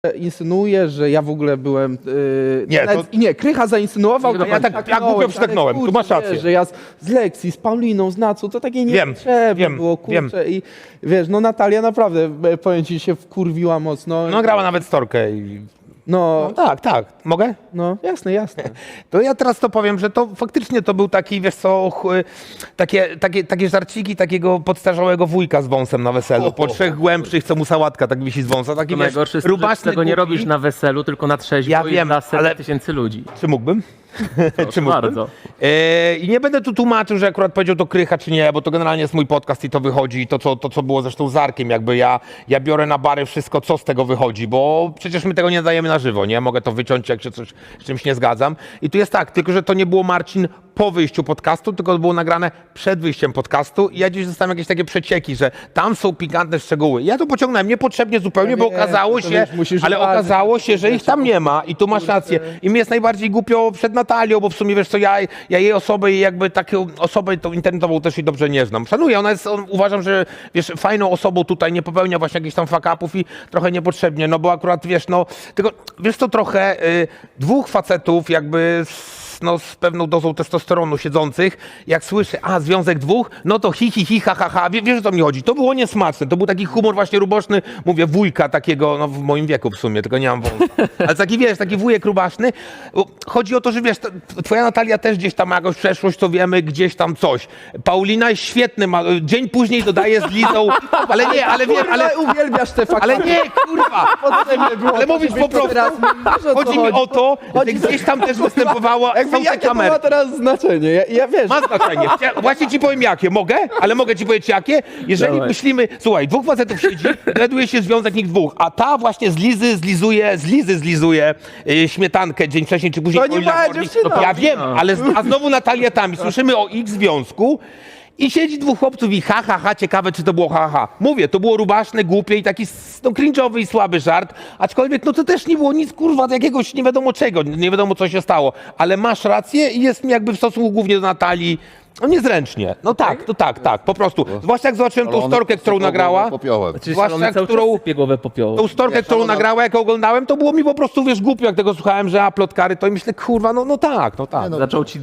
Insynuuje, że ja w ogóle byłem... Nie, nawet, to... nie, Krycha zainsynuował, to ja głupio przytaknąłem, tu masz rację. Że ja z Lexi, z Pauliną, z Nacą, to takie niepotrzebne było, kurczę. I wiesz, no Natalia naprawdę, powiem ci, się wkurwiła mocno. No grała nawet storkę i... No, tak. Mogę? no, jasne. To ja teraz to powiem, że to faktycznie to był taki, wiesz co, takie żarciki takiego podstarzałego wujka z wąsem na weselu. Po 3 głębszych, co mu sałatka tak wisi z wąsa. Taki, To wiesz, najgorsze jest, rubaszny, że tego nie głupi. robisz na weselu, tylko na trzeźwo Ja i wiem, dla setek ale- tysięcy ludzi. Czy mógłbym? Proszę bardzo. I nie będę tu tłumaczył, że akurat powiedział to Krycha, czy nie, bo to generalnie jest mój podcast i to wychodzi. I to co było zresztą z Arkiem, jakby ja biorę na bary wszystko, co z tego wychodzi, bo przecież my tego nie dajemy na żywo, nie? Mogę to wyciąć, jak się z czymś nie zgadzam. I tu jest tak, tylko że to nie było, Marcin, po wyjściu podcastu, tylko było nagrane przed wyjściem podcastu i ja gdzieś dostałem jakieś takie przecieki, że tam są pikantne szczegóły. Ja to pociągnąłem niepotrzebnie zupełnie, bo okazało się, okazało się, że ich tam nie ma i tu masz rację. I mi jest najbardziej głupio przed Natalią, bo w sumie, wiesz co, ja jej osobę i jakby taką osobę tą internetową też jej dobrze nie znam. Szanuję, ona jest, uważam, że wiesz, fajną osobą tutaj, nie popełnia właśnie jakichś tam fuck-upów i trochę niepotrzebnie, no bo akurat, wiesz, no, tylko, wiesz to trochę, 2 facetów jakby z pewną dozą testosteronu siedzących, jak słyszę, związek 2, no to hi, ha, wiesz o co mi chodzi, to było niesmaczne, to był taki humor właśnie ruboczny, mówię, wujka takiego, no w moim wieku w sumie, tylko nie mam wąsa, ale taki, wiesz, taki wujek rubaszny, chodzi o to, że wiesz, twoja Natalia też gdzieś tam ma jakąś przeszłość, to wiemy, gdzieś tam coś, Paulina jest świetny, dzień później dodaje z Lizą, ale nie, ale wiem, ale... uwielbiasz te fakty. Ale nie, kurwa! Ale mówisz po prostu, chodzi mi o to, że gdzieś tam też występowała, są te Jakie to kamery. ma teraz znaczenie? Ja wiesz... Ma znaczenie. Właśnie ci powiem jakie. Mogę? Ale mogę ci powiedzieć jakie? Jeżeli Dawaj. myślimy, słuchaj, 2 facetów siedzi, dowiaduje się związek nich 2, a ta właśnie z Lizy zlizuje śmietankę dzień wcześniej czy później. To nie ma dziewczyna. Ja wiem, ale a znowu Natalia tam i słyszymy o ich związku. I siedzi 2 chłopców i ha, ciekawe czy to było ha. Mówię, to było rubaszne, głupie i taki cringe'owy i słaby żart, aczkolwiek no to też nie było nic kurwa jakiegoś nie wiadomo czego, nie wiadomo co się stało, ale masz rację i jest mi jakby w stosunku głównie do Natalii, no niezręcznie. No tak, to tak, po prostu. Zwłaszcza jak zobaczyłem tą storkę, którą nagrała, zwłaszcza tą storkę, którą nagrała, jak oglądałem, to było mi po prostu, wiesz, głupio, jak tego słuchałem, że plotkary, to i myślę, kurwa, no tak. Zaczął ci